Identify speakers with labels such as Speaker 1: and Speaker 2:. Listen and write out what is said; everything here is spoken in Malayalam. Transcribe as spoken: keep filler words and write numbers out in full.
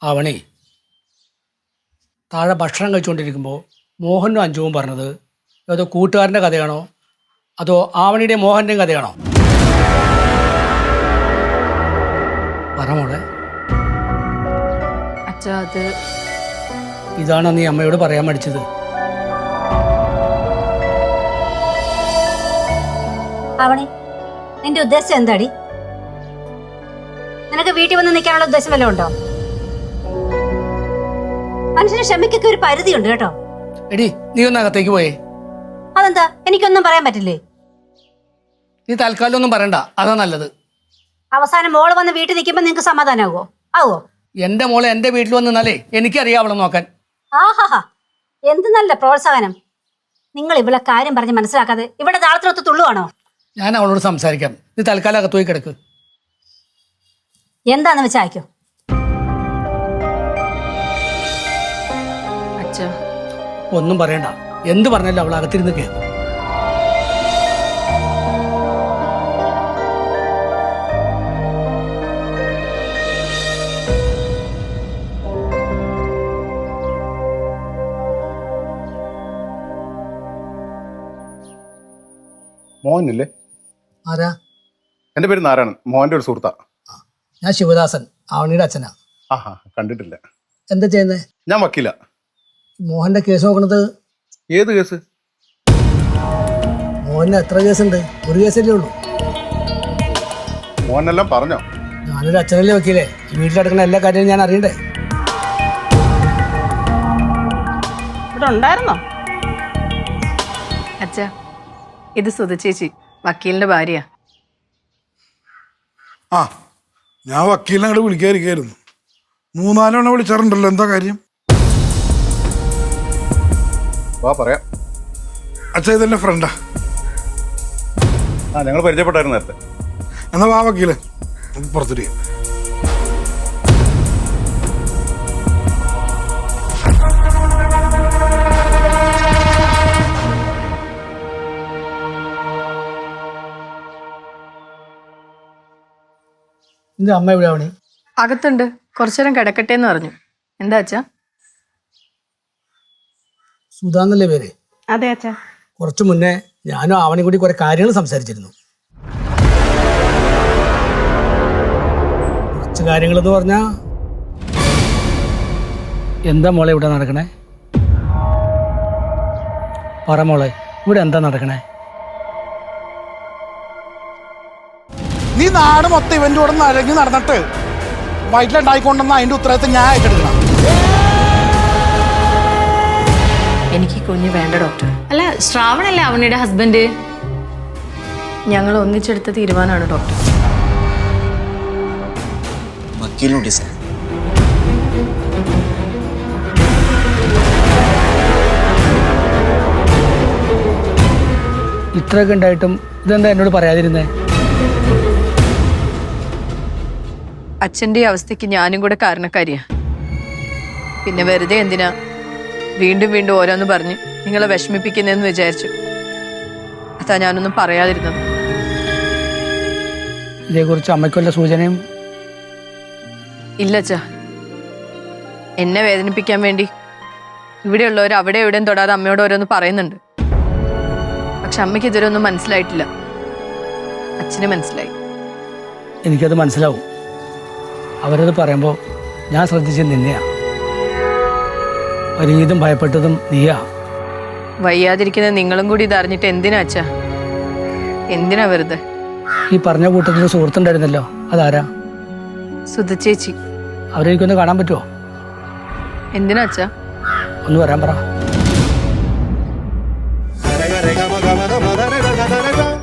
Speaker 1: അവണേ താഴെ ഭക്ഷണം കഴിച്ചുകൊണ്ടിരിക്കുമ്പോൾ മോഹനും അഞ്ജുവും പറഞ്ഞത് അതോ കൂട്ടുകാരൻ്റെ കഥയാണോ അതോ ആവണിയുടെയും മോഹൻ്റെയും കഥയാണോ? പറ മോളെ.
Speaker 2: അച്ഛാ അത്
Speaker 1: ഇതാണോ നീ അമ്മയോട് പറയാൻ മടിച്ചത്?
Speaker 3: ആവണി, നിന്റെ ഉദ്ദേശം എന്താടി? നിനക്ക് വീട്ടിൽ വന്ന് നിൽക്കാനുള്ള ഉദ്ദേശം വല്ലതും ഉണ്ടോ? മനുഷ്യന് ക്ഷമയ്ക്കൊക്കെ ഒരു പരിധിയുണ്ട് കേട്ടോ.
Speaker 1: എടി നീ ഒന്ന് അകത്തേക്ക് പോയേ.
Speaker 3: അതെന്താ, എനിക്കൊന്നും പറയാൻ പറ്റില്ലേ?
Speaker 1: നീ തൽക്കാലം ഒന്നും പറയണ്ട, അതാ നല്ലത്.
Speaker 3: അവസാനം മോള് വന്ന് വീട്ടിൽ നിൽക്കുമ്പോ നിങ്ങക്ക് സമാധാനമാവോ? ആവോ?
Speaker 1: എന്റെ മോളെ എന്റെ വീട്ടിൽ വന്ന് നിന്നാലേ എനിക്കറിയാം അവളെ നോക്കാൻ.
Speaker 3: ആഹാ, എന്ത് നല്ല പ്രോത്സാഹനം. നിങ്ങൾ ഇവിടെ കാര്യം പറഞ്ഞ് മനസ്സിലാക്കാതെ ഇവിടെ താളത്തിനൊത്ത് തുള്ളുവാണോ?
Speaker 1: ഞാൻ അവളോട് സംസാരിക്കാം. നീ തൽക്കാലം അകത്ത് പോയി കിടക്ക്.
Speaker 3: എന്താന്ന് വെച്ചാ അയക്കോ.
Speaker 2: അച്ഛാ
Speaker 1: ഒന്നും പറയണ്ട, എന്ത് പറഞ്ഞല്ലോ അവൾ അകത്തിരുന്ന് കേൾക്കും.
Speaker 4: മോഹനില്ലേ?
Speaker 1: ആരാ?
Speaker 4: എൻ്റെ പേര് നാരായണൻ, മോഹൻ്റെ ഒരു സുഹൃത്താ.
Speaker 1: ഞാൻ ശിവദാസൻ, ആവണിയുടെ അച്ഛനാ.
Speaker 4: ആഹാ, കണ്ടിട്ടില്ല.
Speaker 1: എന്താ ചെയ്യുന്നത്?
Speaker 4: ഞാൻ വക്കീല.
Speaker 1: മോഹന്റെ കേസ് നോക്കണത്?
Speaker 4: ഏത് കേസ്?
Speaker 1: മോഹന് എത്ര കേസുണ്ട്? ഒരു കേസല്ലേ ഉള്ളൂ.
Speaker 4: മോഹനെല്ലാം പറഞ്ഞോ?
Speaker 1: ഞാനൊരു അച്ഛനല്ലേ വക്കീലേ, വീട്ടിലെടുക്കുന്ന എല്ലാ കാര്യവും ഞാൻ അറിയണ്ടേ.
Speaker 2: ഇവിടെ ഉണ്ടായിരുന്നോ? അച്ഛാ, ഇത് സുധ ചേച്ചി, വക്കീലിന്റെ ഭാര്യ.
Speaker 5: ആ, ഞാൻ വക്കീലിനെ അങ്ങോട്ട് വിളിക്കാതിരിക്കായിരുന്നു. മൂന്നാലോണം വിളിച്ചാറുണ്ടല്ലോ, എന്താ കാര്യം?
Speaker 4: വാ പറയാം.
Speaker 5: അച്ഛാ, ഇതെന്റെ ഫ്രണ്ടാ.
Speaker 4: ആ, ഞങ്ങൾ പരിചയപ്പെട്ടായിരുന്നു നേരത്തെ.
Speaker 5: എന്നാ വാ വക്കീലെ, പുറത്തിരിക്കും.
Speaker 1: നിന്റെ അമ്മ എവിടെ ആവണി?
Speaker 2: അകത്തുണ്ട്, കുറച്ചു നേരം കിടക്കട്ടെ എന്ന് പറഞ്ഞു. എന്താ അച്ഛാ?
Speaker 1: സുധാന്നല്ലേ പേര്?
Speaker 2: അതെ അച്ഛാ.
Speaker 1: കുറച്ചു മുന്നേ ഞാനും ആവണി കൂടി കുറെ കാര്യങ്ങൾ സംസാരിച്ചിരുന്നു. കുറച്ച് കാര്യങ്ങളെന്ന് പറഞ്ഞാ എന്താ മോളെ ഇവിടെ നടക്കണേ? പറ മോളെ, ഇവിടെ എന്താ നടക്കണേ?
Speaker 5: നീ നാട് മൊത്തം ഇവന്റെ കൂടെ നരങ്ങി നടന്നിട്ട് വയറ്റിലുണ്ടായിക്കൊണ്ടെന്ന് അതിന്റെ ഉത്തരവാദിത്തം ഞാൻ ഏറ്റെടുക്കണം.
Speaker 2: എനിക്ക് കുഞ്ഞ് വേണ്ട ഡോക്ടർ.
Speaker 6: അല്ല, ശ്രാവണല്ലേ അവനുടെ ഹസ്ബൻഡ്?
Speaker 2: ഞങ്ങൾ ഒന്നിച്ചെടുത്ത തീരുമാനമാണ് ഡോക്ടർ.
Speaker 7: വക്കീൽ നോട്ടീസ്.
Speaker 1: ഇത്രയൊക്കെ ഉണ്ടായിട്ടും ഇതെന്താ എന്നോട് പറയാതിരുന്നേ?
Speaker 2: അച്ഛൻ്റെ ഈ അവസ്ഥയ്ക്ക് ഞാനും കൂടെ കാരണക്കാരിയാ. പിന്നെ വെറുതെ എന്തിനാ വീണ്ടും വീണ്ടും ഓരോന്ന് പറഞ്ഞ് നിങ്ങളെ വിഷമിപ്പിക്കുന്നതെന്ന് വിചാരിച്ചു. അതാ ഞാനൊന്നും പറയാതിരുന്നത്.
Speaker 1: ഇതേക്കുറിച്ച് അമ്മയ്ക്ക് വല്ല സൂചനയും?
Speaker 2: ഇല്ല അച്ഛാ, എന്നെ വേദനിപ്പിക്കാൻ വേണ്ടി ഇവിടെയുള്ളവർ അവിടെ എവിടെയും തൊടാതെ അമ്മയോട് ഓരോന്ന് പറയുന്നുണ്ട്. പക്ഷെ അമ്മയ്ക്ക് ഇതുവരെ ഒന്നും മനസ്സിലായിട്ടില്ല. അച്ഛന് മനസ്സിലായി.
Speaker 1: എനിക്കത് മനസ്സിലാവും. അവരത് പറയുമ്പോൾ ഞാൻ ശ്രദ്ധിച്ചത് നിന്നെയാ. ഒരുവിധം ഭയപ്പെട്ടതും നീയാ.
Speaker 2: വയ്യാതിരിക്കുന്ന നിങ്ങളും കൂടി ഇതറിഞ്ഞിട്ട് എന്തിനാ അച്ഛാ? എന്തിനാ വെറുതെ?
Speaker 1: ഈ പറഞ്ഞ കൂട്ടത്തിൽ സുഹൃത്തുണ്ടായിരുന്നല്ലോ, അതാരാ?
Speaker 2: സുധ ചേച്ചി.
Speaker 1: അവരെനിക്കൊന്ന് കാണാൻ പറ്റുമോ?
Speaker 2: എന്തിനാ അച്ഛാ?
Speaker 1: ഒന്ന് വരാൻ പറ.